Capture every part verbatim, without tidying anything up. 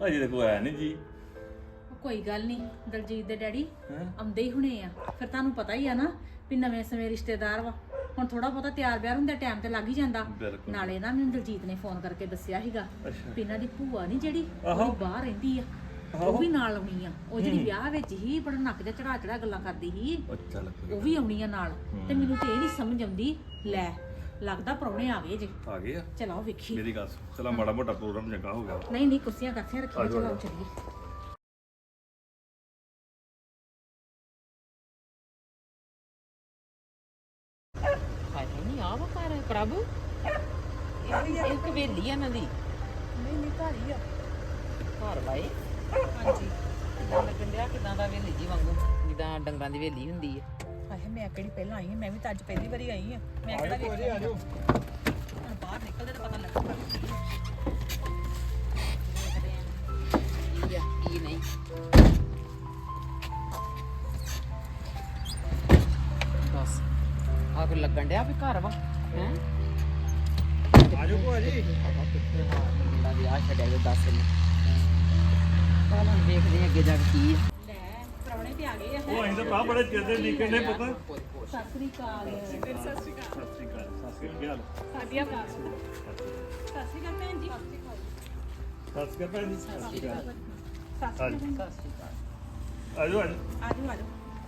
ਅਜੇ ਤੇ ਕੋਈ ਆਇਆ ਨਹੀਂ ਜੀ। ਕੋਈ ਗੱਲ ਨਹੀਂ, ਦਲਜੀਤ ਦੇ ਡੈਡੀ ਆਉਂਦੇ ਹੀ ਹੁਣੇ ਆ। ਫਿਰ ਤੁਹਾਨੂੰ ਪਤਾ ਹੀ ਆ ਨਾ ਵੀ ਨਵੇਂ ਸਮੇਂ ਰਿਸ਼ਤੇਦਾਰ ਵਾ, ਹੁਣ ਥੋੜਾ ਬਹੁਤਾ ਤਿਆਰ ਬਿਆਰ ਹੁੰਦਾ, ਟਾਈਮ ਤੇ ਲੱਗ ਹੀ ਜਾਂਦਾ। ਨਾਲੇ ਨਾ ਮੈਨੂੰ ਦਲਜੀਤ ਨੇ ਫੋਨ ਕਰਕੇ ਦੱਸਿਆ ਸੀਗਾ ਵੀ ਇਹਨਾਂ ਦੀ ਭੂਆ ਨਹੀਂ ਜਿਹੜੀ ਉਹ ਬਾਹਰ ਰਹਿੰਦੀ ਆ, ਉਹ ਵੀ ਨਾਲ ਆਉਣੀ ਆ। ਉਹ ਜਿਹੜੀ ਵਿਆਹ ਵਿੱਚ ਹੀ ਬੜਾ ਨੱਕ ਜਿਹਾ ਚੜਾ ਚੜਾ ਗੱਲਾਂ ਕਰਦੀ ਸੀ, ਉਹ ਵੀ ਆਉਣੀ ਆ ਨਾਲ। ਤੇ ਮੈਨੂੰ ਤੇ ਇਹ ਨਹੀਂ ਸਮਝ ਆਉਂਦੀ, ਲੈ ਲੱਗਦਾ ਪ੍ਰਾਹੁਣੇ ਆ ਗਏ ਜੇ। ਆ ਗਏ ਆ? ਚਲੋ ਵੇਖੀ ਮੇਰੀ ਗੱਲ ਚਲਾ, ਮਾੜਾ ਮੋਟਾ ਪ੍ਰੋਗਰਾਮ ਚੰਗਾ ਹੋ ਗਿਆ। ਨਹੀਂ ਨਹੀਂ ਕੁਰਸੀਆਂ ਕੱਥੀਆਂ ਰੱਖੀਆਂ, ਚਲੋ ਚੱਲੀਏ। ਨਹੀਂ ਆ ਵਾ ਘਰ ਪ੍ਰਭੂ, ਇੱਕ ਵੇਲੀ ਆ ਇਹਨਾਂ ਦੀ। ਨਹੀਂ ਨਹੀਂ ਘਰ ਹੀ ਆ। ਘਰ ਵਾਏ ਹਾਂਜੀ। ਕਿਦਾਂ ਲੱਗਣ ਡਿਆ, ਕਿਦਾਂ ਦਾ ਵੇਲੀ ਜੀ ਵਾਂਗੂ, ਜਿੱਦਾਂ ਡੰਗਰਾਂ ਦੀ ਵੇਲੀ ਹੁੰਦੀ ਆ। ਹਾਏ ਮੈਂ ਕਿਹੜੀ ਪਹਿਲਾਂ ਆਈ ਹਾਂ, ਮੈਂ ਵੀ ਤਾਂ ਅੱਜ ਪਹਿਲੀ ਵਾਰੀ ਆਈ ਹਾਂ। ਮੈਂ ਕਿਹੜਾ ਵੇਖਿਆ। ਆਜੋ ਬਾਹਰ ਨਿਕਲਦੇ ਤਾਂ ਪਤਾ ਲੱਗਦਾ ਕੀ ਆ ਕੀ ਨਹੀਂ। ਬਸ ਆ ਕੋ ਲੱਗਣ ਡਿਆ ਵੀ ਘਰ ਵਾ ਹੈ। ਆਜੋ ਭੂਆ ਜੀ। ਮੁੰਡਾ ਵਿਆਹ ਛੱਡਿਆ ਜੋ ਦੱਸ ਨੇ। ਪਹਿਲਾਂ ਦੇਖਦੇ ਹਾਂ ਅੱਗੇ ਜਾ ਕੇ ਕੀ ਆ। ਲੈ ਪ੍ਰਾਹੁਣੇ ਤੇ ਆ ਗਏ ਆ। ਉਹ ਅਸੀਂ ਤਾਂ ਭਰਾ ਬੜੇ ਚਿਰ ਦੇ ਲੀਕੇ ਨੇ ਪੁੱਤ। ਸਤਿ ਸ੍ਰੀ ਅਕਾਲ। ਸਤਿ ਸ਼੍ਰੀ ਅਕਾਲ। ਸਤਿ ਸ਼੍ਰੀ ਅਕਾਲ। ਸਤਿ ਸ਼੍ਰੀ ਅਕਾਲ। ਕੀ ਹਾਲ? ਸਾਡੀਆਂ ਘਰ ਸਤਿ ਸ਼੍ਰੀ ਅਕਾਲ ਭੈਣ ਜੀ। ਸਤਿ ਸ਼੍ਰੀ ਅਕਾਲ ਭੈਣ ਜੀ। ਸਤਿ ਸ਼੍ਰੀ ਅਕਾਲ। ਸਤਿ ਸ਼੍ਰੀ ਅਕਾਲ। ਸਤਿ ਸ਼੍ਰੀ ਅਕਾਲ। ਆਜੋ ਆਜੋ। ਆਜੋ ਆਜੋ।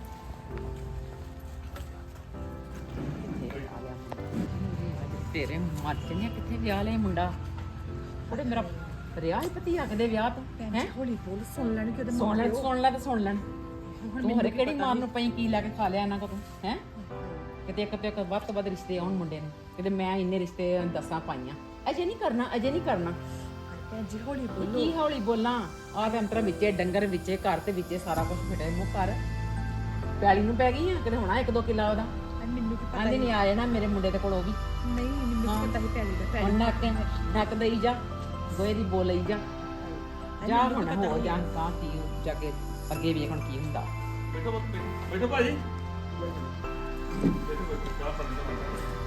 ਤੇਰੇ ਮੱਚ ਨਹੀਂ ਕਿੱਥੇ ਵਿਆਹ ਲਿਆ ਮੁੰਡਾ। ਉਹਦੇ ਮੇਰਾ ਰਿਆ ਹੀ ਪਤੀ ਆਖਦੇ ਵਿਆਹ ਤੋਂ ਹੈ। ਹੌਲੀ ਬੋਲ, ਸੁਣ ਲੈਣ ਕਿ ਉਹਦੇ ਸੁਣ ਲੈ ਸੁਣ ਲੈ ਤੇ ਸੁਣ ਲੈਣ। ਤੂੰ ਹਰੇ ਕਿਹੜੀ ਮਾਰ ਨੂੰ ਪਈ ਕੀ ਲੈ ਕੇ ਖਾ ਲਿਆ ਇਹਨਾਂ ਕੋਲ ਹੈ। ਕਿਤੇ ਇੱਕ ਤੇ ਇੱਕ ਵੱਧ ਤੋਂ ਵੱਧ ਰਿਸ਼ਤੇ ਆਉਣ ਮੁੰਡੇ ਨੂੰ, ਕਿਤੇ ਮੈਂ ਇੰਨੇ ਰਿਸ਼ਤੇ ਦੱਸਾਂ ਪਾਈਆਂ। ਅਜੇ ਨਹੀਂ ਕਰਨਾ, ਅਜੇ ਨਹੀਂ ਕਰਨਾ। ਭੈਣ ਜੀ ਹੌਲੀ ਬੋਲ। ਕੀ ਹੌਲੀ ਬੋਲਾਂ? ਆਹ ਤੇ ਅੰਤਰਾ ਵਿੱਚੇ ਡੰਗਰ ਵਿੱਚੇ ਘਰ ਤੇ ਵਿੱਚੇ ਸਾਰਾ ਕੁਝ ਫਿਟੇ ਮੂੰਹ ਕਰ। ਪਿਆਲੀ ਨੂੰ ਪੈ ਗਈ ਆ ਕਿਤੇ ਹੋਣਾ ਇੱਕ ਦੋ ਕਿੱਲਾ ਉਹਦਾ। ਮੈਨੂੰ ਕੀ ਪਤਾ। ਆਂਦੇ ਨਹੀਂ ਆ ਜਾਣਾ ਮੇਰੇ ਮੁੰਡੇ ਦੇ ਕੋਲ ਉਹ ਵੀ। ਨਹੀਂ ਮੈਨੂੰ ਕੀ ਪਤਾ ਸੀ ਪੈਲੀ ਦਾ। ਹੁਣ ਨੱਕ ਨੱਕ ਦੇਈ ਜਾ, ਗੋਏ ਦੀ ਬੋਲ ਲਈ ਜਾ। ਜਾ ਹੁਣ ਹੋ ਜਾ ਕਾ ਕੀ ਜਾ ਕੇ ਅੱਗੇ ਵੇਖ ਹੁਣ ਕੀ ਹੁੰਦਾ। ਬੈਠੋ ਪੁੱਤ, ਬੈਠੋ। ਬੈਠੋ ਭਾਜੀ। ਬੈਠੋ ਬੈਠੋ। ਚਾਹ ਪਾਣੀ ਦਾ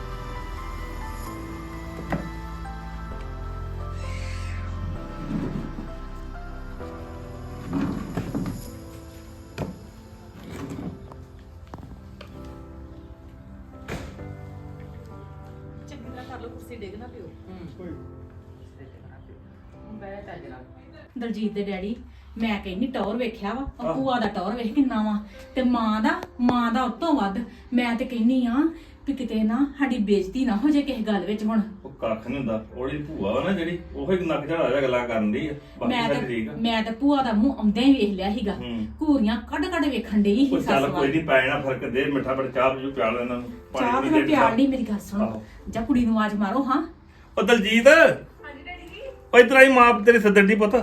ਚੰਗੀ ਤਰ੍ਹਾਂ ਕਰ ਲਓ, ਕੁਰਸੀ ਡਿੱਗ ਨਾ ਪਿਓ। ਕੋਈ ਬੈ ਚੱਜ ਨਾਲ। ਦਲਜੀਤ ਦੇ ਡੈਡੀ ਮੈਂ ਕਹਿੰਨੀ ਟੌਰ ਵੇਖਿਆ ਵਾ, ਉਹ ਭੂਆ ਦਾ ਟੌਰ ਵੇਖ ਕਿੰਨਾ ਵਾ, ਤੇ ਮਾਂ ਦਾ ਮਾਂ ਦਾ ਉਤੋਂ ਵੱਧ। ਮੈਂ ਤੇ ਕਹਿੰਨੀ ਆ ਵੀ ਕਿਤੇ ਨਾ ਸਾਡੀ ਬੇਇੱਜ਼ਤੀ ਨਾ ਹੋ ਜਾਏ ਕਿਸੇ ਗੱਲ ਵਿੱਚ। ਹੁਣ ਉਹ ਕੱਖ ਨਹੀਂ ਹੁੰਦਾ। ਉਹਦੀ ਭੂਆ ਵਾ ਨਾ ਜਿਹੜੀ, ਉਹ ਹੀ ਨੱਕ ਝੜਾ ਜਾ ਗੱਲਾਂ ਕਰਨ ਦੀ ਆ। ਬਾਕੀ ਮੈਂ ਸਾਰੇ ਤੇ ਠੀਕ ਆ। ਮੈਂ ਤੇ ਭੂਆ ਦਾ ਮੂੰਹ ਆਉਂਦਿਆਂ ਹੀ ਵੇਖ ਲਿਆ ਸੀਗਾ। ਹੂੰ। ਘੂਰੀਆਂ ਕੱਢ ਕੱਢ ਵੇਖਣ ਡਈ ਸੀ ਉਹ ਸੱਸ ਚੱਲ ਵੱਲ। ਕੋਈ ਨਹੀਂ, ਪੈ ਜਾਣਾ ਫਰਕ। ਦੇ ਮਿੱਠਾ ਬੜਾ ਚਾਹ ਪੀਓ, ਪਿਆਲ ਇਹਨਾਂ ਨੂੰ ਚਾਹ ਤੇ ਪੂਣੀ ਮੈਂ ਪਿਆਲ ਨਹੀਂ। ਮੇਰੀ ਗੱਲ ਸੁਣ, ਆਹੋ। ਜਾਂ ਕੁੜੀ ਨੂੰ ਆਵਾਜ਼ ਮਾਰੋ। ਹਾਂ ਉਹ ਦਲਜੀਤ। ਹਾਂਜੀ ਡੈਡੀ ਜੀ। ਉਹ ਇਧਰ ਆਈ, ਮਾਂ ਤੇਰੀ ਸੱਦਣ ਦੀ ਪੁੱਤ।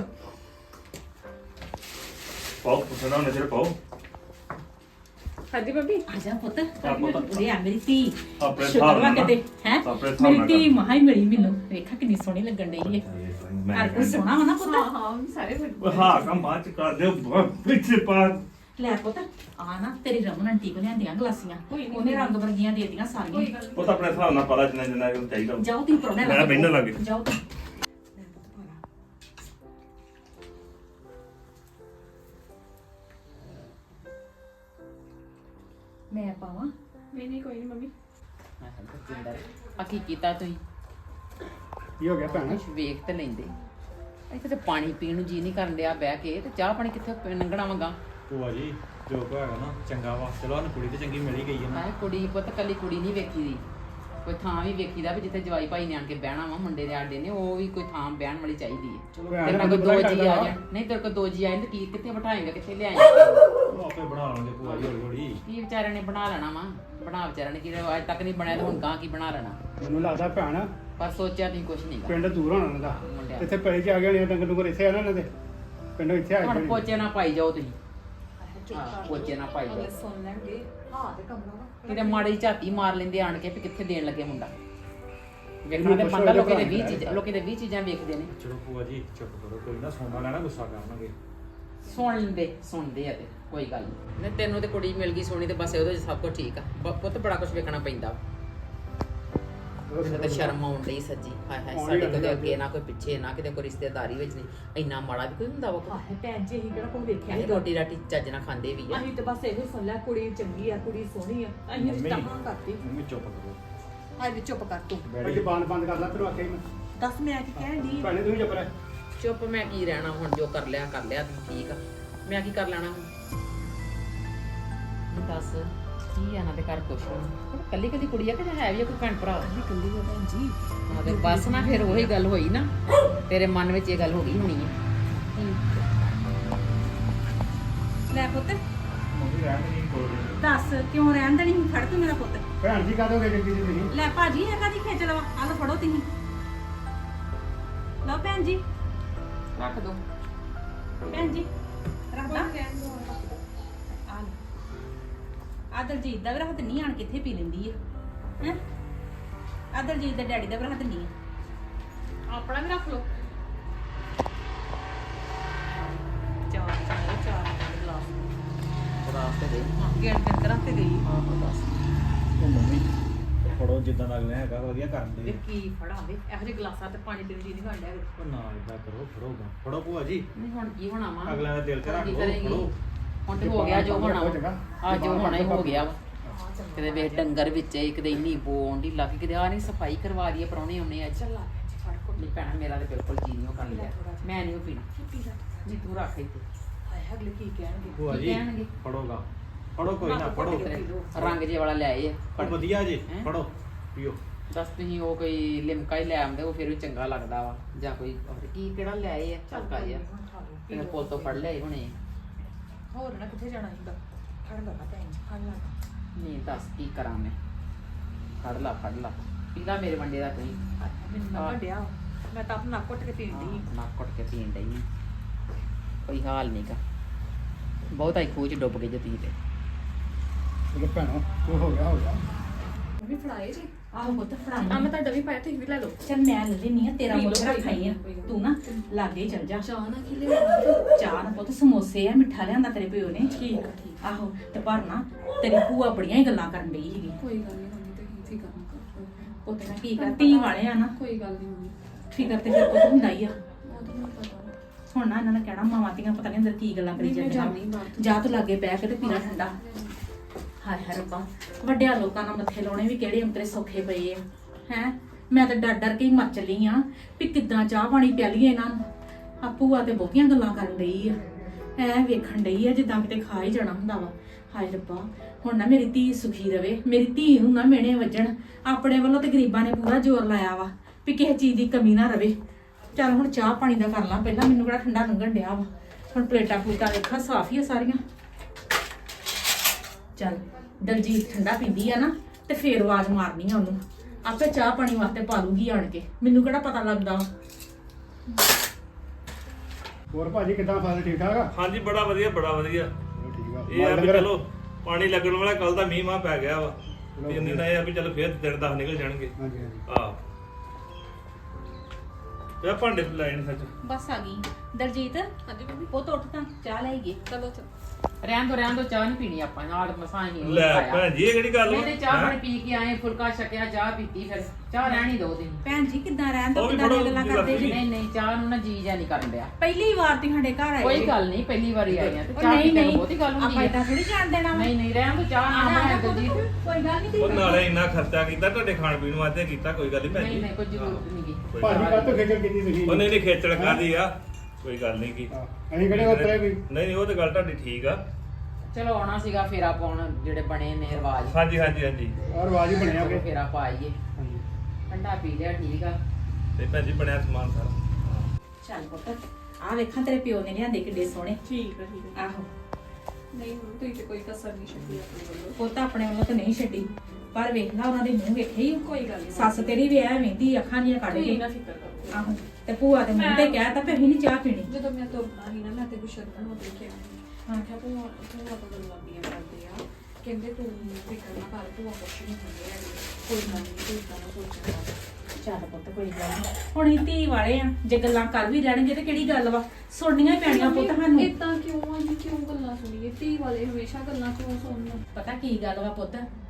ਪਾਓ ਪੁੱਛਣਾ ਉਹਨੇ ਤੇਰੇ ਪਾਓ। ਹਾਂਜੀ ਬੱਬੀ। ਆ ਜਾ ਪੁੱਤ। ਆ ਪੁੱਤ। ਉਰੇ ਆ ਮੇਰੀ ਧੀ। ਆਪਣੇ ਸ਼ੁਕਰ ਹਿਸਾਬ ਵਾ ਨਾਲ ਕਿਤੇ ਹੈ ਆਪਣੇ ਹਿਸਾਬ ਮੇਰੀ ਨਾਲ ਧੀ ਮਹਾ ਹੀ ਮਿਲੀ ਮੈਨੂੰ। ਵੇਖਾ ਕਿੰਨੀ ਸੋਹਣੀ ਲੱਗਣ ਡਈ ਹੈ। ਮੈਂ ਹਰ ਕੋਈ ਸੋਹਣਾ ਵਾ ਨਾ ਪੁੱਤ। ਹਾਂ ਸਾਰੇ ਹਾਂ ਕੰਮ ਬਾਅਦ ਚ ਕਰ ਦਿਓ, ਪਿੱਛੇ ਪਾ। ਲੈ ਪੁੱਤ ਆ ਨਾ ਤੇਰੀ ਰਮਨ ਆਂਟੀ ਕੋ ਲਿਆਂਦੀਆਂ ਗਲਾਸੀਆਂ, ਉਹਨੇ ਰੰਗ ਵਰਗੀਆਂ ਦੇ ਦਿੱਤੀਆਂ ਸਾਰੀਆਂ। ਉਹ ਤਾਂ ਆਪਣੇ ਹਿਸਾਬ ਨਾਲ ਪਤਾ ਜਿੰਨਾ ਜਿੰਨਾ ਇਹਨੂੰ ਚਾਹੀਦਾ। ਜਾਓ ਤੁਸੀਂ ਪਰੋਣੇ ਮੈਂ ਬਹਿਣ ਲੱਗੇ। ਜਾਓ ਤੁਸੀਂ। ਮੈਂ ਪਾਵਾਂ? ਨਹੀਂ ਨਹੀਂ ਕੋਈ ਨਹੀਂ ਮੰਮੀ। ਆ ਕੀ ਕੀਤਾ ਤੁਸੀਂ? ਕੀ ਹੋ ਗਿਆ ਭੈਣ? ਕੁਛ ਵੇਖ ਤੇ ਲੈਂਦੇ। ਇੱਥੇ ਤੇ ਪਾਣੀ ਪੀਣ ਨੂੰ ਜੀ ਨਹੀਂ ਕਰਨ ਡਿਆ ਬਹਿ ਕੇ, ਤੇ ਚਾਹ ਪਾਣੀ ਕਿੱਥੇ ਲੰਘਣਾ ਵਾਂਗਾ। ਭੂਆ ਜੀ ਜੋ ਕੋ ਹੈਗਾ ਨਾ ਚੰਗਾ ਵਾ। ਚਲੋ ਸਾਨੂੰ ਕੁੜੀ ਤੇ ਚੰਗੀ ਮਿਲ ਹੀ ਗਈ ਹੈ ਨਾ। ਮੈਂ ਕੁੜੀ ਪੁੱਤ ਕੱਲੀ ਕੁੜੀ ਨਹੀਂ ਵੇਖੀ ਦੀ, ਕੋਈ ਥਾਂ ਵੀ ਵੇਖੀਦਾ ਵੀ ਜਿੱਥੇ ਜਵਾਈ ਭਾਈ ਨੇ ਆਣ ਕੇ ਬਹਿਣਾ ਵਾ ਮੁੰਡੇ ਦੇ ਆਡੇ ਨੇ, ਉਹ ਵੀ ਕੋਈ ਥਾਂ ਬਹਿਣ ਵਾਲੀ ਚਾਹੀਦੀ ਹੈ। ਚਲੋ ਤੇਰੇ ਭੈਣ ਕੋਲ ਨੂੰ ਦੋ ਪਤਾ ਜੀ ਲੱਗਦਾ ਆ ਵਾ। ਜਾਣ। ਨਹੀਂ ਤੇਰੇ ਕੋਲ ਦੋ ਜੀ ਆਏ ਤੇ ਕੀ ਕਿੱਥੇ ਬਿਠਾਏਗਾ, ਕਿੱਥੇ ਲਿਆਏਗਾ? ਉਹ ਆਪੇ ਬਣਾ ਲਾਂਗੇ ਭੂਆ ਜੀ ਹੌਲੀ ਹੌਲੀ। ਕੀ ਵਿਚਾਰਿਆਂ ਨੇ ਬਣਾ ਲੈਣਾ ਵਾ? ਬਣਾ ਵਿਚਾਰਿਆਂ ਨੇ ਕੀ, ਅੱਜ ਤੱਕ ਨਹੀਂ ਬਣਿਆ ਤੇ ਹੁਣ ਗਾਂ ਕੀ ਬਣਾ ਲੈਣਾ? ਮੈਨੂੰ ਲੱਗਦਾ ਭੈਣ ਪਰ ਸੋਚਿਆ ਤੁਸੀਂ ਕੁਛ ਨਹੀਂ ਗਾ। ਪਿੰਡ ਦੂਰ ਹੋਣਾ ਉਹਨਾਂ ਦਾ। ਮੁੰਡਿਆਂ ਇੱਥੇ ਪੈਲੀ ਚ ਆ ਗਏ ਨੇ, ਡੰਗਰ ਡੁੰਗਰ ਇੱਥੇ ਆ ਨਾ ਇਹਨਾਂ ਦੇ ਪਿੰਡੋਂ ਇੱਥੇ ਆਏ ਹੁਣ ਹੋਏ। ਪੋਚੇ ਨਾ ਪਾਈ ਜਾਓ ਤੁਸੀਂ। ਹਾਂ ਪੋਚੇ ਨਾ ਪਾਈ ਜਾਓ। ਸੁਣ ਲੈਣਗੇ। ਹਾਂ ਤੇ ਕਮਰਾ ਵਾ। ਕਿਤੇ ਮਾੜੀ ਝਾਤੀ ਮਾਰ ਲੈਂਦੇ ਆਣ ਕੇ ਵੀ ਕਿੱਥੇ ਦੇਣ ਲੱਗੇ ਮੁੰਡਾ। ਵੇਖਣਾ ਇਹਨੂੰ ਤੇ ਪੁੱਛੋ ਬੰਦਾ ਇਹਦੇ ਲੋਕੀ ਦੇ ਭਰਾ ਵੀਹ ਨੂੰ ਚੀਜ਼ਾਂ ਲੋਕੀ ਦੇ ਵੀਹ ਚੀਜ਼ਾਂ ਵੇਖਦੇ ਨੇ। ਚਲੋ ਭੂਆ ਜੀ ਚੁੱਪ ਕਰੋ, ਕੋਈ ਨਾ ਸੋਨਾ ਲੈਣਾ ਗੁੱਸਾ ਕਰਨਗੇ। ਸੁਣ ਲੈਂਦੇ ਸੁਣਦੇ ਆ ਤੇ ਕੋਈ ਗੱਲ ਨਹੀਂ। ਨਹੀਂ ਤੈਨੂੰ ਤੇ ਕੁੜੀ ਮਿਲ ਗਈ ਸੋਹਣੀ ਤੇ ਬਸ ਉਹਦੇ 'ਚ ਸਭ ਕੁਝ ਠੀਕ ਆ। ਬ- ਪੁੱਤ ਬੜਾ ਕੁਝ ਵੇਖਣਾ ਪੈਂਦਾ। ਮੈਨੂੰ ਤਾਂ ਸ਼ਰਮ ਆਉਣ ਡਈ ਸੱਚੀ ਹਾਏ ਹਾਏ ਸਾਡੇ ਕਦੇ ਅੱਗੇ ਨਾ ਕੋਈ ਪਿੱਛੇ ਨਾ ਕਿਤੇ ਕੋਈ ਰਿਸ਼ਤੇਦਾਰੀ ਵਿੱਚ ਨਹੀਂ ਇੰਨਾ ਮਾੜਾ ਵੀ ਕੋਈ ਹੁੰਦਾ ਵਾ ਕੋਈ ਆਹੇ ਭੈਣ ਜੀ ਅਸੀਂ ਕਿਹੜਾ ਕੋਈ ਵੇਖਿਆ ਅਸੀਂ ਰੋਟੀ ਰਾਟੀ ਚੱਜ ਨਾਲ ਖਾਂਦੇ ਵੀ ਆ ਅਸੀਂ ਤਾਂ ਬਸ ਇਹੋ ਸੁਣ ਲਿਆ ਕੁੜੀ ਚੰਗੀ ਆ ਕੁੜੀ ਸੋਹਣੀ ਆ ਅਸੀਂ ਰਿਸ਼ਤਾ ਹਾਂ ਕਰਤੀ ਮੰਮੀ ਚੁੱਪ ਕਰੋ ਹਾਏ ਵੀ ਚੁੱਪ ਕਰ ਤੂੰ ਬੈਠ ਜ਼ਬਾਨ ਬੰਦ ਕਰ ਲੈ ਤੈਨੂੰ ਆਖਿਆ ਹੀ ਮੈਂ ਦੱਸ ਮੈਂ ਕੀ ਕਹਿਣ ਦੀ ਭੈਣੇ ਤੂੰ ਵੀ ਚੁੱਪ ਰਹਿ ਚੁੱਪ ਮੈਂ ਕੀ ਰਹਿਣਾ ਹੁਣ ਜੋ ਕਰ ਲਿਆ ਕਰ ਲਿਆ ਠੀਕ ਆ ਮੈਂ ਕੀ ਕਰ ਲੈਣਾ ਹੁਣ ਦੱਸ ਕੀ ਆ ਨਾ ਦੇ ਘਰ ਕੁਛ ਹੁਣ ਕੱਲੀ ਕੱਲੀ ਕੁੜੀ ਆ ਕਿ ਹੈ ਵੀ ਆ ਕੋਈ ਭੈਣ ਭਰਾ ਵੀ ਕੱਲੀ ਹੋ ਭੈਣ ਜੀ ਹਾਂ ਤੇ ਬਸ ਨਾ ਫਿਰ ਉਹੀ ਗੱਲ ਹੋਈ ਨਾ ਤੇਰੇ ਮਨ ਵਿੱਚ ਇਹ ਗੱਲ ਹੋ ਗਈ ਹੋਣੀ ਆ ਲੈ ਪੁੱਤ ਮੰਮੀ ਰਹਿਣ ਨਹੀਂ ਕੋਲ ਦੱਸ ਕਿਉਂ ਰਹਿਣ ਦੇਣੀ ਫੜ ਤੂੰ ਮੇਰਾ ਪੁੱਤ ਭੈਣ ਜੀ ਕਾਹਦੋਂ ਗਏ ਜੱਗੀ ਜੀ ਤੁਸੀਂ ਲੈ ਭਾਜੀ ਇਹ ਕਾਦੀ ਖੇਚ ਲਵਾ ਆ ਲਓ ਫੜੋ ਤੁਸੀਂ ਲਓ ਭੈਣ ਜੀ ਰੱਖ ਦੋ ਭੈਣ ਜੀ ਰੱਖਦਾ ਆ ਲੈ ਆ ਦਲਜੀਤ ਦਾ ਵੀ ਰੱਖ ਦਿੰਨੀ ਆਣ ਕਿੱਥੇ ਪੀ ਲੈਂਦੀ ਆ ਹੈ ਆ ਦਲਜੀਤ ਦੇ ਡੈਡੀ ਦਾ ਵੀ ਰੱਖ ਦਿੰਨੀ ਆ ਆਪਣਾ ਵੀ ਰੱਖ ਲਓ ਚਾਰ ਚਾਰ ਚਾਰ ਗਲਾਸ ਬਰਾਸ ਤੇ ਦੇ ਹਾਂ ਗੇਟ ਗੇਟ ਕਰਾ ਤੇ ਗਈ ਹਾਂ ਬਸ ਉਹ ਮੰਮੀ ਫੜੋ ਜਿੱਦਾਂ ਦਾ ਅਗਲਾ ਹੈਗਾ ਵਧੀਆ ਕਰਨ ਵੇ ਦੇ ਕੀ ਫੜਾਂ ਵੇ ਇਹੋ ਜਿਹੇ ਗਲਾਸਾਂ ਤੇ ਪਾਣੀ ਪੀਣ ਦੀ ਨਹੀਂ ਗੰਡਿਆ ਉਹ ਨਾ ਇਦਾਂ ਕਰੋ ਫੜੋਗਾ ਫੜੋ ਭੂਆ ਜੀ ਨਹੀਂ ਹੁਣ ਕੀ ਹੋਣਾ ਵਾ ਅਗਲਾ ਦਾ ਦਿਲ ਤੇ ਰੱਖ ਕੀ ਲਓ ਕਰੇਗੀ? ਫੜੋ ਹੁਣ ਤੇ ਹੋ ਗਿਆ ਜੋ ਹੋਣਾ ਵਾ ਚੰਗਾ। ਆ ਜੋ ਹੋਣਾ ਹੀ ਹੋ ਗਿਆ ਵਾ ਕਿਤੇ ਵੇਖ ਡੰਗਰ ਵਿੱਚ ਕਿਤੇ ਇੰਨੀ ਬੋਣ ਦੀ ਲੱਗ ਕਿਤੇ ਆ ਨਹੀਂ ਸਫਾਈ ਕਰਵਾ ਦਈਏ ਪਰੌਣੇ ਆਉਣੇ ਅੱਜ ਚੱਲ ਆ ਭੈਣ ਜੀ ਫੜ ਕੋਲ ਨਹੀਂ ਭੈਣਾ ਮੇਰਾ ਤੇ ਬਿਲਕੁਲ ਜੀ ਨਹੀਂ ਉਹ ਕਰ ਲਿਆ ਮੈਂ ਨਹੀਂ ਉਹ ਪੀਣਾ ਪੀ ਲੈ ਨਹੀਂ ਤੂੰ ਰੱਖ ਇੱਥੇ ਹਾਏ ਅਗਲੇ ਕੀ ਕਹਿਣਗੇ ਭੂਆ ਕੀ ਜੀ ਕਹਿਣਗੇ? ਫੜੋਗਾ ਫੜੋ ਕੋਈ ਨਾ ਫੜੋ ਤੇਰੇ ਰੰਗ ਜੇ ਵਾਲਾ ਲਿਆਏ ਆ ਉਹ ਵਧੀਆ ਜੀ ਹੈਂ? ਫੜੋ ਪੀਓ ਦੱਸ ਤੁਸੀਂ ਉਹ ਕੋਈ ਲਿਮਕਾ ਹੀ ਲੈ ਆਉਂਦੇ ਉਹ ਫਿਰ ਵੀ ਚੰਗਾ ਲੱਗਦਾ ਵਾ ਜਾਂ ਕੋਈ ਹੋਰ ਕੀ ਕਿਹੜਾ ਲਿਆਏ ਆ ਚੱਲ ਕਾ ਜਾ ਤੇ ਪੁੱਲ ਤੋਂ ਫੜ ਲਿਆਏ ਹੁਣੇ ਹੋਰ ਨਾ ਕਿੱਥੇ ਜਾਣਾ ਸੀਗਾ ਫੜ ਲਾ ਭੈਣ ਜੀ ਫੜ ਲਾ ਨਹੀਂ ਦੱਸ ਕੀ ਕਰਾਂ ਮੈਂ ਫੜ ਲਾ ਫੜ ਲਾ ਪੀਲਾ ਮੇਰੇ ਵੰਡੇ ਦਾ ਤੁਸੀਂ ਮੈਨੂੰ ਨਾ ਹਾਂ। ਵੱਡਿਆ ਮੈਂ ਤਾਂ ਆਪਣਾ ਕੁੱਟ ਕੇ ਪੀਣ ਦੀ ਨੱਕ ਕੁੱਟ ਕੇ ਪੀਣ ਡਈ ਆਂ। ਕੋਈ ਹਾਲ ਨਹੀਂਗਾ ਬਹੁਤਾ ਹੀ ਖੂਹ ਚ ਡੁੱਬ ਗਈ ਜਤੀ ਤੇ ਚਲੋ ਭੈਣੋ ਜੋ ਹੋ ਗਿਆ ਹੋ ਗਿਆ ਵੀ ਫੜਾਏ ਜੀ ਆਹੋ ਪੁੱਤ ਆ ਫੜਾਈ ਮੈਂ ਤੁਹਾਡਾ ਵੀ ਪਾਇਆ ਤੁਸੀਂ ਵੀ ਲੈ ਲਓ ਚੱਲ ਮੈਂ ਲੈ ਲੈਣੀ ਆ ਤੇਰਾ ਪੀ ਲਓ, ਮੁੱਲ ਕੋਈ ਰੱਖਾਈ ਆ ਗੱਲ ਨੀ, ਤੂੰ ਨਾ ਲਾਗੇ ਚੱਲ ਜਾ ਚਾਹ ਨਾ ਕੀ ਲਿਆ ਚਾਹ ਨਾ ਪੁੱਤ ਸਮੋਸੇ ਆ ਮਿੱਠਾ ਲਿਆਂਦਾ ਤੇਰੇ ਪਿਓ ਨੇ ਠੀਕ ਆ ਠੀਕ ਆਹੋ ਤੇ ਪਰ ਨਾ ਤੇਰੀ ਭੂਆ ਬੜੀਆਂ ਹੀ ਗੱਲਾਂ ਕਰਨ ਡਈ ਸੀਗੀ ਕੋਈ ਗੱਲ ਨਹੀਂ ਮੰਮੀ ਤੇ ਹੀ ਫਿਕਰ ਨਾ ਕਰੋ ਪੁੱਤ ਨਾ ਕੀ ਕਰ ਧੀ ਵਾਲੇ ਆ ਨਾ ਕੋਈ ਗੱਲ ਨਹੀਂ ਮੰਮੀ ਫਿਕਰ ਤੇ ਫਿਰ ਪੁੱਤ ਹੁੰਦਾ ਹੀ ਆ ਉਹ ਤਾਂ ਮੈਨੂੰ ਪਤਾ ਵਾ। ਹੁਣ ਨਾ ਇਹਨਾਂ ਨੇ ਕਹਿਣਾ ਮਾਵਾਂ ਧੀਆਂ ਪਤਾ ਨਹੀਂ ਅੰਦਰ ਕੀ ਗੱਲਾਂ ਕਰੀ ਨਹੀਂ, ਮੈਂ ਜਾਂਦੀਆਂ ਜਾਂਦੀ ਬਾਹਰ। ਜਾ ਤੂੰ ਲਾਗੇ ਬਹਿ ਕੇ ਤੇ ਪੀਣਾ ਠੰਡਾ ਹਾਏ ਹਾਏ ਰੱਬਾ ਵੱਡਿਆਂ ਲੋਕਾਂ ਨਾਲ ਮੱਥੇ ਲਾਉਣੇ ਵੀ ਕਿਹੜੇ ਅੰਤਰੇ ਸੌਖੇ ਪਏ ਆ ਹੈ ਮੈਂ ਤਾਂ ਡਰ ਡਰ ਕੇ ਹੀ ਮਰ ਚੱਲੀ ਆ ਵੀ ਕਿੱਦਾਂ ਚਾਹ ਪਾਣੀ ਪਿਆਲੀਏ ਇਹਨਾਂ ਨੂੰ ਆ ਭੂਆ ਤੇ ਬਹੁਤੀਆਂ ਗੱਲਾਂ ਕਰਨ ਡਈ ਆ ਐ ਵੇਖਣ ਡਈ ਆ ਜਿੱਦਾਂ ਕਿਤੇ ਖਾ ਹੀ ਜਾਣਾ ਹੁੰਦਾ ਵਾ ਹਾਏ ਰੱਬਾ ਹੁਣ ਨਾ ਮੇਰੀ ਧੀ ਸੁਖੀ ਰਵੇ ਮੇਰੀ ਧੀ ਨੂੰ ਨਾ ਮਿਹਣੇ ਵੱਜਣ ਆਪਣੇ ਵੱਲੋਂ ਤੇ ਗਰੀਬਾਂ ਨੇ ਪੂਰਾ ਜ਼ੋਰ ਲਾਇਆ ਵਾ ਵੀ ਕਿਸੇ ਚੀਜ਼ ਦੀ ਕਮੀ ਨਾ ਰਵੇ ਚੱਲ ਹੁਣ ਚਾਹ ਪਾਣੀ ਦਾ ਕਰ ਲਾਂ ਪਹਿਲਾਂ ਮੈਨੂੰ ਕਿਹੜਾ ਠੰਡਾ ਲੰਘਣ ਡਿਆ ਵਾ ਹੁਣ ਪਲੇਟਾਂ ਪਲੂਟਾਂ ਵੇਖਾਂ ਸਾਫ ਹੀ ਆ ਸਾਰੀਆਂ ਚੱਲ ਦਲਜੀਤ ਠੰਡਾ ਪੀਂਦੀ ਆ ਨਾ ਤੇ ਫੇਰ ਆਵਾਜ਼ ਮਾਰਨੀ ਆ ਉਹਨੂੰ ਆਪੇ ਚਾਹ ਪਾਣੀ ਵਾਸਤੇ ਪਾ ਲੂਗੀ ਆਣ ਕੇ ਮੈਨੂੰ ਕਿਹੜਾ ਪਤਾ ਲੱਗਦਾ ਹੋਰ ਭਾਜੀ ਕਿੱਦਾਂ ਫਸਲ ਠੀਕ ਠਾਕ ਆ ਹਾਂਜੀ ਬੜਾ ਵਧੀਆ ਬੜਾ ਵਧੀਆ ਚਲੋ ਠੀਕ ਆ ਇਹ ਆ ਮਾਲ ਵੀ ਡੰਗਰ? ਚਲੋ ਪਾਣੀ ਲੱਗਣ ਵਾਲਾ ਕੱਲ ਦਾ ਮੀਂਹ ਮਾ ਪੈ ਗਿਆ ਵਾ ਵੀ ਇੰਨੇ ਦਾ ਇਹ ਆ ਵੀ ਚਲੋ ਫੇਰ ਦਿਨ ਦਸ ਨਿਕਲ ਜਾਣਗੇ ਹਾਂਜੀ ਹਾਂਜੀ ਆਹ ਤੇ ਆਹ ਭਾਂਡੇ ਲਾਈਨ ਸੱਚ ਬਸ ਆ ਗਈ ਦਲਜੀਤ ਹਾਂਜੀ ਮੰਮੀ ਉਹ ਤਾਂ ਉੱਠ ਤਾਂ ਚਾਹ ਲੈ ਗਏ ਚਲੋ ਚਲੋ ਰਹਿਣ ਦੋ ਰਹਿਣ ਦੋ ਚਾਹ ਨਹੀਂ ਪੀਣੀ ਆਪਾਂ ਨਾਲ ਮਸਾਂ ਹੀ ਉਹ ਲੈ ਖਾਇਆ। ਭੈਣ ਜੀ ਇਹ ਕਿਹੜੀ ਗੱਲ ਵਾ? ਨਹੀਂ ਤੇ ਚਾਹ ਹੈਂ? ਪਾਣੀ ਪੀ ਕੇ ਆਏ ਫੁਲਕਾ ਛਕਿਆ ਚਾਹ ਪੀਤੀ ਫਿਰ ਚਾਹ ਰਹਿਣੀ ਦੋ ਦਿਨ ਭੈਣ ਜੀ ਕਿੱਦਾਂ ਰਹਿਣ ਤੋਂ ਉਹ ਵੀ ਕਿੱਦਾਂ ਦੀਆਂ ਫੜੋ, ਗੱਲਾਂ ਜੀ ਕਰਦੇ ਜੀ ਨਹੀਂ ਨਹੀਂ ਚਾਹ ਨੂੰ ਨਾ ਜੀ ਜਾ ਨਹੀਂ ਕਰਨ ਡਿਆ ਪਹਿਲੀ ਵਾਰ ਤੇ ਸਾਡੇ ਘਰ ਆਏ ਕੋਈ ਜੀ। ਗੱਲ ਨਹੀਂ ਪਹਿਲੀ ਵਾਰੀ ਆਈ ਆ ਤੇ ਉਹ ਚਾਹ ਨਹੀਂ ਪੀਣ ਨਹੀਂ ਨੂੰ ਬਹੁਤੀ ਗੱਲ ਹੁੰਦੀ ਆਪਾਂ ਹੈ ਇਦਾਂ ਥੋੜੀ ਜਾਣ ਦੇਣਾ ਵਾ। ਨਹੀਂ ਨਹੀਂ ਰਹਿਣ ਦੋ ਚਾਹ ਨਾ ਬਣਾਇਆ ਦਲਜੀਤ ਕੋਈ ਗੱਲ ਨਹੀਂ ਉਹ ਨਾਲੇ ਇੰਨਾ ਖਰਚਾ ਕੀਤਾ ਤੁਹਾਡੇ ਖਾਣ ਪੀਣ ਵਾਸਤੇ ਕੀਤਾ ਕੋਈ ਗੱਲ ਨਹੀਂ ਭੈਣ ਨਹੀਂ ਜੀ ਨਹੀਂ ਕੋਈ ਜ਼ਰੂਰਤ ਨਹੀਂ ਗੀ ਕੋਈ ਭਾਜੀ ਗੱਲ ਕੱਲ ਤੋਂ ਖੇਚਲ ਕੀਤੀ ਤੁਸੀਂ ਉਹ ਨਹੀਂ ਨਹੀਂ ਖੇਚਲ ਕਾਦੀ ਆ ਕੋਈ ਗੱਲ ਨਹੀਂ ਕੀ ਹਾਂ, ਅਸੀਂ ਕਿਹੜੇ ਉਤਰੇ ਵੀ ਨਹੀਂ ਨਹੀਂ ਉਹ ਤਾਂ ਗੱਲ ਤੁਹਾਡੀ ਠੀਕ ਆ ਚਲੋ ਆਉਣਾ ਸੀਗਾ ਫੇਰਾ ਪਾਉਣ ਜਿਹੜੇ ਬਣੇ ਨੇ ਰਿਵਾਜ ਹਾਂਜੀ ਹਾਂਜੀ ਹਾਂਜੀ ਔਰ ਆਵਾਜ਼ ਹੀ ਬਣਿਆ ਚਲੋ ਕਿ ਫੇਰਾ ਪਾਈਏ ਹਾਂਜੀ ਠੰਡਾ ਪੀ ਲਿਆ ਠੀਕ ਆ ਤੇ ਭੈਣ ਜੀ ਬਣਿਆ ਸਮਾਨ ਸਾਰਾ ਚੱਲ ਪੁੱਤ ਆ ਵੇਖਾਂ ਤੇਰੇ ਪਿਓ ਨੇ ਲਿਆਂਦੇ ਕਿੱਡੇ ਸੋਹਣੇ ਠੀਕ ਆ ਠੀਕ ਆ ਆਹੋ ਨਹੀਂ ਮੰਮੀ ਤੁਸੀਂ ਤੇ ਕੋਈ ਕਸਰ ਨਹੀਂ ਛੱਡੀ ਆਪਣੇ ਵੱਲੋਂ ਪੁੱਤ ਆਪਣੇ ਵੱਲੋਂ ਤਾਂ ਨਹੀਂ ਛੱਡੀ ਪਰ ਵੇਖ ਲਾ ਉਹਨਾਂ ਦੇ ਮੂੰਹ ਵੇਖੇ ਹੀ ਕੋਈ ਗੱਲ ਨਹੀਂ ਸੱਸ ਤੇਰੀ ਵੀ ਐ ਵੇਂਦੀ ਅੱਖਾਂ ਦੀਆਂ ਕੱਢ ਤੁਸੀਂ ਕੇ ਨਾ ਫਿਕਰ ਕਰੋ ਆਹੋ ਤੇ ਭੂਆ ਦੇ ਮੂੰਹ ਤੇ ਕਹਿ ਤਾ ਵੀ ਅਸੀਂ ਨਹੀਂ ਚਾਹ ਪੀਣੀ ਜਦੋਂ ਮੈਂ ਤੁਰਨਾ ਸੀ ਨਾ ਮੈਂ ਤੇ ਗੁਸ਼ਰਨ ਨੂੰ ਦੇਖਿਆ ਹਾਂ ਕਿਹਾ ਤੂੰ ਤੂੰ ਆਪਾਂ ਗੱਲਾਂ ਬੀਆਂ ਕਰਦੇ ਆ ਕਹਿੰਦੇ ਤੂੰ ਫਿਕਰ ਨਾ ਕਰ ਤੂੰ ਕੁਛ ਨਹੀਂ ਹੁੰਦੇ ਹੈਗੇ ਕੋਈ ਗੱਲ ਨਹੀਂ ਤੂੰ ਇਦਾਂ ਨਾ ਸੋਚਣਾ ਚੱਲ ਪੁੱਤ ਕੋਈ ਗੱਲ ਨੀ ਹੁਣ ਅਸੀਂ ਧੀ ਵਾਲੇ ਆ ਜੇ ਗੱਲਾਂ ਕਰ ਵੀ ਰਹਿਣਗੇ ਤੇ ਕਿਹੜੀ ਗੱਲ ਵਾ ਸੁਣਨੀਆਂ ਹੀ ਪੈਣੀਆਂ ਪੁੱਤ ਸਾਨੂੰ ਇਦਾਂ ਕਿਉਂ ਆ ਜੀ ਕਿਉਂ ਗੱਲਾਂ ਸੁਣੀਏ ਧੀ ਵਾਲੇ ਹਮੇਸ਼ਾ ਗੱਲਾਂ ਕਿਉਂ ਸੁਣਨ ਪਤਾ ਕੀ ਗੱਲ ਵਾ ਪੁੱਤ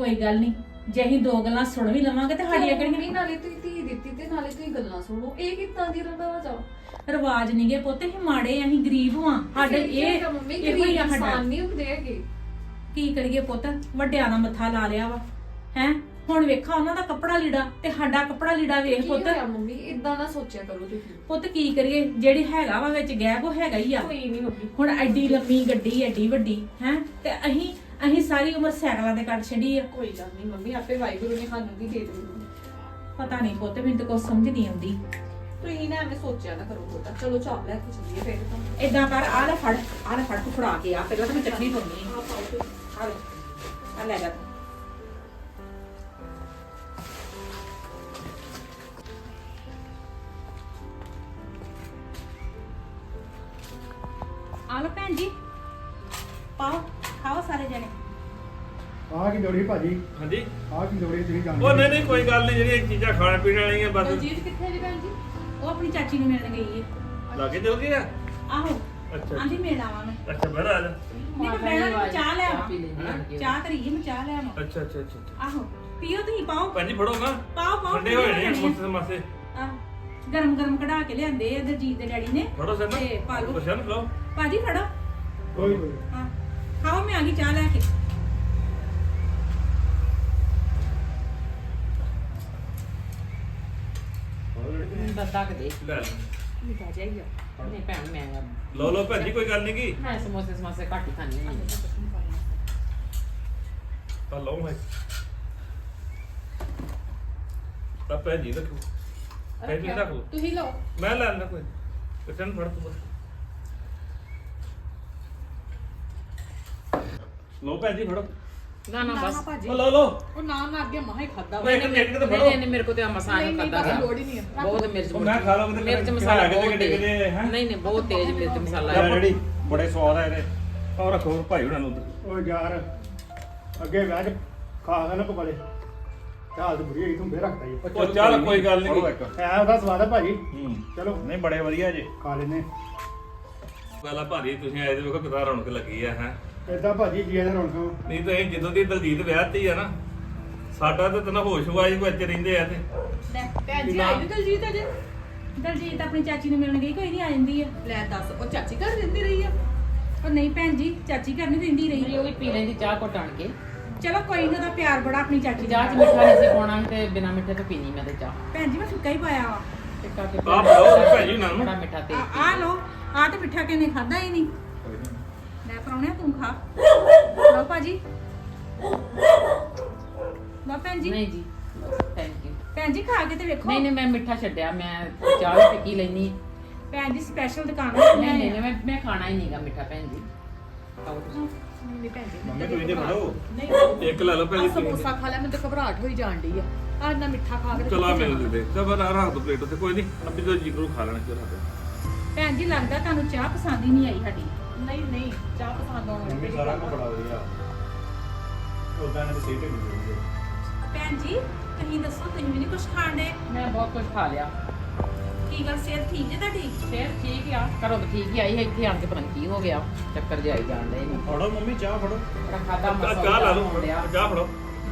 ਕੋਈ ਗੱਲ ਨਹੀਂ, ਜੇ ਅਸੀਂ ਦੋ ਗੱਲਾਂ ਸੁਣ ਵੀ ਲਵਾਂਗੇ ਤੇ ਸਾਡੀਆਂ ਮੰਮੀ ਕਿਹੜੀਆਂ ਨਾਲੇ ਤੁਸੀਂ ਧੀ ਦਿੱਤੀ ਤੇ ਨਾਲੇ ਤੁਸੀਂ ਗੱਲਾਂ ਸੁਣੋ, ਇਹ ਕਿੱਦਾਂ ਦੀ ਰਵਾਜ ਆ? ਰਿਵਾਜ ਨਹੀਂਗੇ ਪੁੱਤ, ਅਸੀਂ ਮਾੜੇ ਆ, ਅਸੀਂ ਗਰੀਬ ਹਾਂ। ਸਾਡੇ ਇਹ ਮੰਮੀ ਇਹੋ ਗਰੀਬ ਹੀ ਆ ਸਾਡਾ। ਇਨਸਾਨ ਨਹੀਂ ਹੁੰਦੇ ਹੈਗੇ। ਕੀ ਕਰੀਏ ਪੁੱਤ, ਵੱਡਿਆਂ ਦਾ ਮੱਥਾ ਲਾ ਲਿਆ ਵਾ ਹੈ। ਹੁਣ ਵੇਖਾ ਉਹਨਾਂ ਦਾ ਕੱਪੜਾ ਲੀੜਾ ਤੇ ਸਾਡਾ ਕੱਪੜਾ ਲੀੜਾ ਵੇਖ ਕੀ ਪੁੱਤ। ਹੋਇਆ ਮੰਮੀ, ਇਦਾਂ ਨਾ ਸੋਚਿਆ ਕਰੋ ਤੁਸੀਂ। ਪੁੱਤ ਕੀ ਕਰੀਏ, ਜਿਹੜੀ ਹੈਗਾ ਵਾ ਵਿੱਚ ਗੈਪ ਉਹ ਹੈਗਾ ਹੀ ਆ। ਕੋਈ ਨਹੀਂ ਮੰਮੀ, ਹੁਣ ਐਡੀ ਲੰਮੀ ਗੱਡੀ ਐਡੀ ਵੱਡੀ ਹੈ ਤੇ ਅਸੀਂ ਅਸੀਂ ਸਾਰੀ ਉਮਰ ਸਾਈਕਲਾਂ ਤੇ ਕੱਢ ਛੱਡੀ ਆ। ਕੋਈ ਗੱਲ ਨਹੀਂ ਮੰਮੀ, ਆਪੇ ਵਾਹਿਗੁਰੂ ਨੇ ਸਾਨੂੰ ਵੀ ਦੇ ਦੇਣੀ। ਪਤਾ ਨਹੀਂ ਪੁੱਤ, ਮੈਨੂੰ ਤਾਂ ਕੁਝ ਸਮਝ ਨਹੀਂ ਆਉਂਦੀ। ਤੁਸੀਂ ਨਾ ਐਵੇਂ ਸੋਚਿਆ ਨਾ ਕਰੋ ਬੇਟਾ। ਚਲੋ ਚਾਹ ਲੈ ਕੇ ਚੱਲੀਏ ਫਿਰ ਤਾਂ। ਏਦਾਂ ਕਰ, ਆਹ ਲੈ ਫੜ, ਆਹ ਲੈ ਫੜ, ਤੂੰ ਫੜਾ ਕੇ ਆ, ਪਹਿਲਾਂ ਤਾਂ ਮੈਂ ਚਟਨੀ ਪਾਉਣੀ ਆਹ ਪਾਓ ਤੁਸੀਂ। ਆ ਲੈ, ਆ ਲੈ ਜਾ ਤੂੰ। ਆ ਲੋ ਭੈਣ ਜੀ, ਪਾਓ, ਖਾਓ ਸਾਰੇ ਜਣੇ। ਆਹ ਕੀ ਲੋੜੀ ਭਾਜੀ, ਹਾਂਜੀ ਆਹ ਕੀ ਲੋੜੀ ਤੁਸੀਂ ਜਾਣਦੇ ਉਹ ਨਹੀਂ ਨਹੀਂ ਕੋਈ ਗੱਲ ਨਹੀਂ, ਜਿਹੜੀਆਂ ਚੀਜ਼ਾਂ ਖਾਣ ਪੀਣ ਵਾਲੀਆਂ ਬਸ ਦਲਜੀਤ ਕਿੱਥੇ ਜੀ ਭੈਣ ਜੀ? ਉਹ ਆਪਣੀ ਚਾਚੀ ਨੂੰ ਮਿਲਣ ਗਈ ਏ। ਲਾਗੇ ਚਲ ਗਏ ਆ। ਆਹੋ, ਅੱਛਾ ਆਂਦੀ ਮਿਲ ਆਵਾਂ ਮੈਂ। ਅੱਛਾ ਬੜਾ ਆ ਜਾ। ਨਹੀਂ ਮੈਂ ਬਹਿਣਾ ਨੀ, ਮੈਂ ਚਾਹ ਲੈ ਆਵਾਂ। ਪੀ ਲੈਂਦੀ ਆਣ ਕੇ। ਚਾਹ ਧਰੀ ਮੈਂ ਚਾਹ ਲੈ ਆਵਾਂ। ਅੱਛਾ ਅੱਛਾ ਅੱਛਾ ਅੱਛਾ। ਆਹੋ, ਪੀਓ ਤੁਸੀਂ, ਪਾਓ ਭਾਜੀ ਫੜੋ ਨਾ, ਪਾਓ ਪਾਓ। ਠੰਡੇ ਹੋਏ ਨੇ ਮੁੱਸੇ ਮਾਸੇ। ਆਹ, ਗਰਮ ਗਰਮ ਕਢਾ ਕੇ ਲਿਆਂਦੇ ਆ ਦਰਜੀਤ ਦੇ ਡੈਡੀ ਨੇ। ਫੜੋ ਸਰ ਤੇ ਪਾ ਲਓ। ਕੁਛ ਨਾ ਲਓ। ਭਾਜੀ ਫੜੋ। ਕੋਈ ਕੋਈ ਹਾਂ, ਖਾਓ, ਮੈਂ ਆ ਗਈ ਚਾਹ ਲੈ ਕੇ। ਦੱਦਾ ਕੇ ਦੇ ਲੈ ਲਓ। ਮਿਠਾ ਜਾਈਆ ਨਹੀਂ ਭੈਣ ਮੈਂ ਲਓ ਲਓ ਭੈਣ ਜੀ, ਕੋਈ ਗੱਲ ਨਹੀਂ ਕੀ ਮੈਂ ਸਮੋਸੇ ਸਮੋਸੇ ਘੱਟ ਹੀ ਖਾਂਦੀ ਹਾਂ। ਤਾਂ ਲਓ ਹੈ ਤਾਂ ਭੈਣ ਜੀ ਰੱਖੋ, ਭੈਣ ਜੀ ਰੱਖ ਲਓ, ਤੁਸੀਂ ਲਓ। ਮੈਂ ਲੈ ਲੈਂਦਾ ਕੋਈ ਕਿਤੇ ਨੂੰ ਫੜ ਤੂੰ ਬਸ। ਲਓ ਭੈਣ ਜੀ ਫੜੋ। ਨਾ ਨਾ ਬਸ ਭਾਜੀ, ਉਹ ਲਓ ਲਓ। ਉਹ ਨਾ ਨਾ ਅੱਗੇ ਮਹਾ ਹੀ ਖਾਦਾ ਉਹ ਇੱਕ ਮਿੰਟ ਤੇ ਫੜੋ। ਨਹੀਂ ਨਹੀਂ ਮੇਰੇ ਕੋ ਤੇ ਆ ਮਸਾਲਾ ਨਹੀਂ, ਨਹੀਂ, ਖਾਦਾ ਬਸ ਗਿਆ ਲੋੜ ਹੀ ਨਹੀਂ ਹੈ। ਬਹੁਤ ਮਿਰਚ ਉਹ ਮੈਂ ਖਾ ਲਵਾਂ ਕਿਤੇ ਮਿਰਚ ਖਾ ਮਸਾਲਾ ਕੇ ਬਹੁਤ ਕਿਤੇ ਤੇਜ਼ ਕਿਤੇ ਹੈ। ਨਹੀਂ ਨਹੀਂ ਬਹੁਤ ਤੇਜ਼ ਮਿਰਚ ਮਸਾਲਾ ਯਾਰ ਹੈ। ਜਿਹੜੀ ਬੜੇ ਸਵਾਦ ਆ ਇਹਦੇ। ਔਰ ਰੱਖੋ ਭਾਈ ਉਹਨਾਂ ਨੂੰ ਉੱਧਰ। ਉਹ ਯਾਰ ਅੱਗੇ ਬਹਿ ਕੇ ਖਾ ਕੇ ਨਾ ਪਕੜੇ ਚਾਹ ਤੇ ਬੁਰੀ ਹੋਈ ਤੂੰ ਫੇਰ ਰੱਖਦਾ ਹੀ ਉਹ ਚੱਲ ਕੋਈ ਗੱਲ ਨਹੀਂ। ਐ ਉਹਦਾ ਸਵਾਦ ਆ ਭਾਜੀ। ਹੂੰ ਚਲੋ ਨਹੀਂ ਬੜੇ ਵਧੀਆ ਜੀ। ਖਾ ਲੈਨੇ ਗੱਲ ਆ ਭਾਜੀ, ਤੁਸੀਂ ਆਏ ਤੇ ਵੇਖੋ ਕਿਦਾਂ ਰੌਣਕ ਲੱਗੀ ਆ ਹੈ। ਏਦਾਂ ਭਾਜੀ ਜੀ ਇਹਨਾਂ ਰੌਣਕਾਂ ਨਹੀਂ ਤਾਂ ਇਹ ਜਦੋਂ ਦੀ ਦਲਜੀਤ ਵਿਆਹਤੀ ਆ ਨਾ, ਸਾਡਾ ਤਾਂ ਤਨਾ ਹੋਸ਼ ਵਾਈ ਕੋ ਇੱਥੇ ਰਹਿੰਦੇ ਆ ਤੇ ਲੈ, ਭੈਣ ਜੀ ਆਈ ਨੀ ਦਲਜੀਤ ਅਜੇ? ਦਲਜੀਤ ਆਪਣੀ ਚਾਚੀ ਨੂੰ ਮਿਲਣ ਗਈ, ਕੋਈ ਨਹੀਂ ਆ ਜਾਂਦੀ ਆ। ਲੈ ਦੱਸ, ਉਹ ਚਾਚੀ ਘਰ ਰਹਿੰਦੀ ਰਹੀ ਆ? ਪਰ ਨਹੀਂ ਭੈਣ ਜੀ, ਚਾਚੀ ਘਰ ਨਹੀਂ ਰਹਿੰਦੀ ਮੇਰੀ ਰਹੀ। ਉਹ ਵੀ ਪੀ ਲੈਂਦੀ ਚਾਹ ਘੁੱਟ ਆਣ ਕੇ। ਚਲੋ ਕੋਈ ਨਾ, ਉਹਦਾ ਪਿਆਰ ਬੜਾ ਆਪਣੀ ਚਾਚੀ ਚਾਹ ਦਾ। ਚ ਮਿੱਠਾ ਨਹੀਂ ਸੀ ਪਾਉਣਾ ਤੇ ਬਿਨਾ ਮਿੱਠੇ ਤੋਂ ਪੀਣੀ ਮੈਂ ਤੇ ਚਾਹ ਭੈਣ ਜੀ ਮੈਂ ਫਿੱਕਾ ਹੀ ਪਾਇਆ ਵਾ। ਟਿੱਕਾ ਕੇ ਆਹ ਬਣਾਓ ਭੈਣ ਜੀ ਨਾਲ। ਬੜਾ ਮਿੱਠਾ ਤੇਜ਼ ਆ ਆ ਲੋ, ਆ ਤੇ ਮਿੱਠਾ ਕਿਨੇ ਖਾਦਾ ਹੀ ਨਹੀਂ। ਲੈ ਪਰੌਣਿਆ ਤੂੰ ਖਾ। ਲਓ ਭਾਜੀ, ਲਓ ਭੈਣ ਜੀ। ਨਹੀਂ ਜੀ ਥੈਂਕ ਯੂ। ਭੈਣ ਜੀ ਖਾ ਕੇ ਤੇ ਵੇਖੋ। ਨਹੀਂ ਨਹੀਂ ਮੈਂ ਮਿੱਠਾ ਛੱਡਿਆ, ਮੈਂ ਚਾਹ ਵੀ ਪੀ ਲੈਣੀ। ਭੈਣ ਜੀ ਸਪੈਸ਼ਲ ਦੁਕਾਨ ਤੋਂ ਨਹੀਂ ਲਿਆਏ ਨਹੀਂ ਆ। ਮੈਂ ਮੈਂ ਖਾਣਾ ਹੀ ਨਹੀਂਗਾ ਮਿੱਠਾ ਭੈਣ ਜੀ। ਖਾਓ ਤੁਸੀਂ। ਨਹੀਂ ਭੈਣ ਜੀ, ਮੰਮੀ ਤੁਸੀਂ ਤੇ ਫੜੋ। ਨਹੀਂ ਇੱਕ ਲੈ ਲਓ ਭੈਣ ਆ ਜੀ। ਸਮੋਸਾ ਖਾ ਲਿਆ, ਮੈਨੂੰ ਤਾਂ ਘਬਰਾਹਟ ਹੋਈ ਜਾਣ ਡਈ ਆ। ਆ ਇੰਨਾ ਮਿੱਠਾ ਖਾ ਕੇ ਤੇ ਚਲਾ ਕਿੱਥੇ ਮੈਨੂੰ ਜਾਣਾ? ਦੇ ਦੇ ਚਲ ਬਣਾ ਰੱਖ ਦੋ ਪਲੇਟ ਉੱਤੇ, ਕੋਈ ਨਹੀਂ ਅੱਬੀ ਤੋਂ ਜਿਗਰੂ ਖਾ ਲੈਣਾ ਚਲ ਰੱਖ। ਭੈਣ ਜੀ ਲੱਗਦਾ ਤੁਹਾਨੂੰ ਚਾਹ ਪਸੰਦ ਹੀ ਨਹੀਂ ਆਈ ਸਾਡੀ। ਨਹੀਂ ਨਹੀਂ, ਚਾਹ ਪਸੰਦ ਆਉਣ ਮੰਮੀ ਲੱਗੀ। ਸਾਰਾ ਕੁਝ ਬੜਾ ਵਧੀਆ। ਉਦਾਂ ਨੇ ਸਿਹਤ ਵੀ ਵਧੀਆ। ਭੈਣ ਜੀ ਤੁਸੀਂ ਦੱਸੋ, ਤੁਸੀਂ ਵੀ ਨਹੀਂ ਕੁਝ ਖਾਣ ਦੇ? ਮੈਂ ਬਹੁਤ ਕੁਝ ਖਾ ਲਿਆ। ਕੀ ਗੱਲ, ਸਿਹਤ ਠੀਕ ਜੇ ਤੁਹਾਡੀ? ਫੇਰ ਠੀਕ ਆ, ਘਰੋਂ ਤਾਂ ਠੀਕ ਹੀ ਆਈ ਹੈ, ਇੱਥੇ ਆਣ ਕੇ ਪਤਾ ਨੀ ਕੀ ਹੋ ਗਿਆ, ਚੱਕਰ ਜਿਹਾ ਆਈ ਜਾਣ ਡਏ ਨੇ। ਫੜੋ ਮੰਮੀ ਚਾਹ ਫੜੋ। ਬੜਾ ਖਾਦਾ ਮਸਾ ਚਾਹ ਲਾ ਲਓ, ਚਾਹ ਫੜੋ।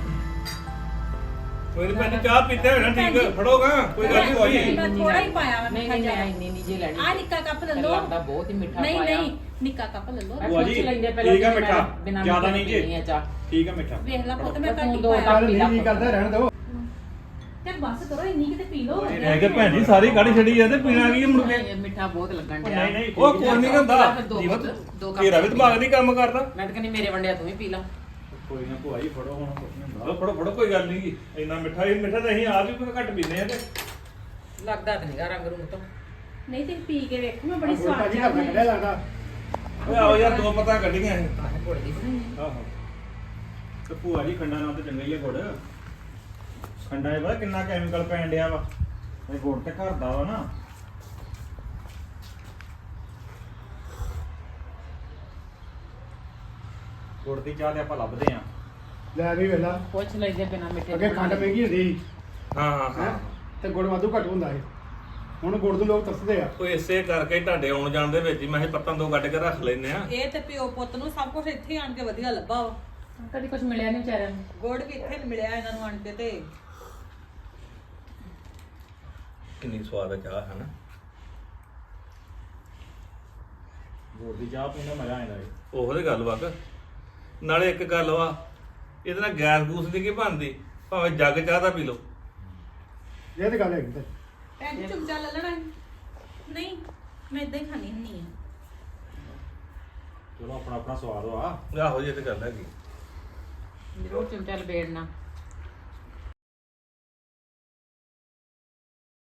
ਕੋਈ ਨਹੀਂ ਭੈਣ ਜੀ, ਚਾਹ ਪੀਤੇ ਹੋਣਾ ਠੀਕ ਫੜੋਗਾ, ਕੋਈ ਗੱਲ ਨਹੀਂ ਹੋਈ। ਮੈਂ ਥੋੜਾ ਹੀ ਪਾਇਆ ਵਾ ਨਹੀਂ ਮਿੱਠਾ ਨਹੀਂ ਮੈਂ ਜ਼ਿਆਦਾ। ਇੰਨੀ ਨਹੀਂ ਜੇ ਲੈਣੀ। ਆ ਨਿੱਕਾ ਕੱਪ ਲੈ ਮੈਨੂੰ ਲਓ। ਲੱਗਦਾ ਬਹੁਤ ਹੀ ਮਿੱਠਾ ਨਹੀਂ ਪਾਇਆ। ਨਹੀਂ, ਨਿੱਕਾ ਕੱਪ ਲੈ ਲਓ। ਮੈਂ ਭੂਆ ਪੁੱਛ ਜੀ, ਲੈਂਦੇ ਪਹਿਲਾਂ ਠੀਕ ਆ ਕਿ ਮੈਂ ਮਿੱਠਾ, ਬਿਨਾਂ ਜ਼ਿਆਦਾ ਮਿੱਠੇ ਨਹੀਂ ਜੀ। ਪੀਣੀ ਆ ਚਾਹ। ਠੀਕ ਹੈ ਮਿੱਠਾ। ਵੇਖ ਲੈ ਪੁੱਤ, ਮੈਂ ਤੂੰ ਘੱਟ ਹੀ ਦੋ ਪਾਇਆ। ਕੱਪ ਚੱਲ ਨਹੀਂ ਕਰਦਾ ਰਹਿਣ ਦੋ। ਤੇ ਬਸ ਕਰੋ, ਇੰਨੀ ਕਿਤੇ ਪੀ ਲਓ। ਮੈਂ ਕਿਹਾ ਭੈਣ ਜੀ ਸਾਰੀ ਕਾੜੀ ਛੱਡੀ ਆ ਤੇ ਪੀਣਾ ਕੀ ਮੁੜ ਕੇ। ਨਹੀਂ, ਮਿੱਠਾ ਬਹੁਤ ਲੱਗਣ ਉਹ ਡਿਆ। ਨਹੀਂ ਨਹੀਂ ਉਹ ਕੋਈ ਨਹੀਂ ਹੁੰਦਾ ਦੋ ਜੀਵਤ, ਦੋ ਕੱਪ ਤੇਰਾ ਵੀ ਦਿਮਾਗ ਨਹੀਂ ਕੰਮ ਕਰਦਾ। ਮੈਂ ਤਾਂ ਕਹਿੰਦੀ ਮੇਰੇ ਵੰਡਿਆ ਤੂੰ ਵੀ ਪੀ ਲਾ। ਕੋਈ ਨਾ ਭੂਆ ਜੀ ਫੜੋ ਹੁਣ ਕੁਝ ਨਹੀਂ ਹੁੰਦਾ। ਲਓ ਫੜੋ ਫੜੋ, ਕੋਈ ਗੱਲ ਨਹੀਂ ਇੰਨਾ ਮਿੱਠਾ ਹੀ ਮਿੱਠਾ ਤਾਂ ਅਸੀਂ ਆਪ ਵੀ ਕੋਈ ਘੱਟ ਪੀਂਦੇ ਆ ਤੇ ਲੱਗਦਾ ਤਾਂ ਨਹੀਂਗਾ ਰੰਗ ਰੂੰਗ ਤੋਂ। ਨਹੀਂ ਤੇ ਪੀ ਕੇ ਵੇਖੋ, ਮੈਂ ਬੜੀ ਬੜੀ ਸਵਾਦ ਭਾਜੀ ਚਾਹ ਦਾ ਬਣਾਈ। ਕੱਢਿਆ ਲੱਗਦਾ। ਓਏ ਆਓ ਯਾਰ, ਦੋ ਪਤਾ ਕੱਢੀਆਂ ਇਹ। ਆਹ ਗੁੜ ਦੀ ਬਣਾਈ ਆ। ਆਹੋ ਤੇ ਭੂਆ ਜੀ ਖੰਡਾ ਨਾਲ ਤੇ ਚੰਗਾ ਹੀ ਹੈ ਗੁੜ। ਖੰਡਾ ਇਹ ਪਤਾ ਕਿੰਨਾ ਕੈਮੀਕਲ ਪੈਣ ਡਿਆ ਵਾ। ਇਹ ਗੁੜ ਤੇ ਘਰ ਦਾ ਵਾ ਨਾ। ਗੁੜ ਦੀ ਚਾਹ ਤੇ ਆਪਾਂ ਲੱਭਦੇ ਆਂ। ਲੈ ਵੀ ਵੇਲਾ ਪੁੱਛ ਲੈਂਦੇ ਬਿਨਾਂ ਮਿੱਠੇ ਅੱਗੇ ਤੋਂ ਖੰਡ ਮਹਿੰਗੀ ਹੁੰਦੀ ਸੀ ਹਾਂ ਹਾਂ ਹੈ ਹਾਂ, ਤੇ ਗੁੜ ਵਾਧੂ ਘੱਟ ਹੁੰਦਾ ਸੀ। ਹੁਣ ਗੁੜ ਨੂੰ ਲੋਕ ਤਰਸਦੇ ਆ। ਉਹ ਇਸੇ ਕਰਕੇ ਹੀ ਤੁਹਾਡੇ ਆਉਣ ਜਾਣ ਦੇ ਵਿੱਚ ਹੀ ਮੈਂ ਇਹ ਪੱਤਾਂ ਦੋ ਕੱਢ ਕੇ ਰੱਖ ਲੈਨੇ ਆ। ਇਹ ਤੇ ਪਿਓ ਪੁੱਤ ਨੂੰ ਸਭ ਕੁਝ ਇੱਥੇ ਆਣ ਕੇ ਵਧੀਆ ਲੱਭਾ ਵਾ। ਕਦੀ ਕੁਝ ਮਿਲਿਆ ਨਹੀਂ ਵਿਚਾਰਿਆਂ ਨੂੰ। ਗੁੜ ਵੀ ਇੱਥੇ ਨੀ ਮਿਲਿਆ ਇਹਨਾਂ ਨੂੰ ਆਣ ਕੇ ਤੇ ਕਿੰਨੀ ਸਵਾਦ ਆ ਚਾਹ ਹੈ ਨਾ। ਗੁੜ ਦੀ ਚਾਹ ਪੀਣ ਦਾ ਮਜ਼ਾ ਆਉਂਦਾ ਏ। ਉਹੋ ਤੇ ਗੱਲ ਵਕ ਨਾਲੇ ਇੱਕ ਗੱਲ ਵਾ ਇਹਦੇ ਨਾਲ ਗੈਸ ਗੂਸ ਦੀ ਕੀ ਬਣਦੀ, ਭਾਵੇਂ ਜੱਗ ਚਾਹ ਦਾ ਪੀ ਲਓ। ਇਹ ਤੇ ਗੱਲ ਹੈਗੀ ਤੇ ਭੈਣ ਜੀ ਚਮਚਾ ਲੈ ਲੈਣਾ ਸੀ। ਨਹੀਂ ਮੈਂ ਇਦਾਂ ਹੀ ਖਾਣੀ ਹੁੰਦੀ ਆ। ਚਲੋ ਆਪਣਾ ਆਪਣਾ ਸਵਾਦ ਵਾ। ਆਹੋ ਜੀ ਇਹ ਤੇ ਗੱਲ ਹੈਗੀ। ਜ਼ਰੂਰ ਚਮਚਾ ਲਬੇੜਨਾ।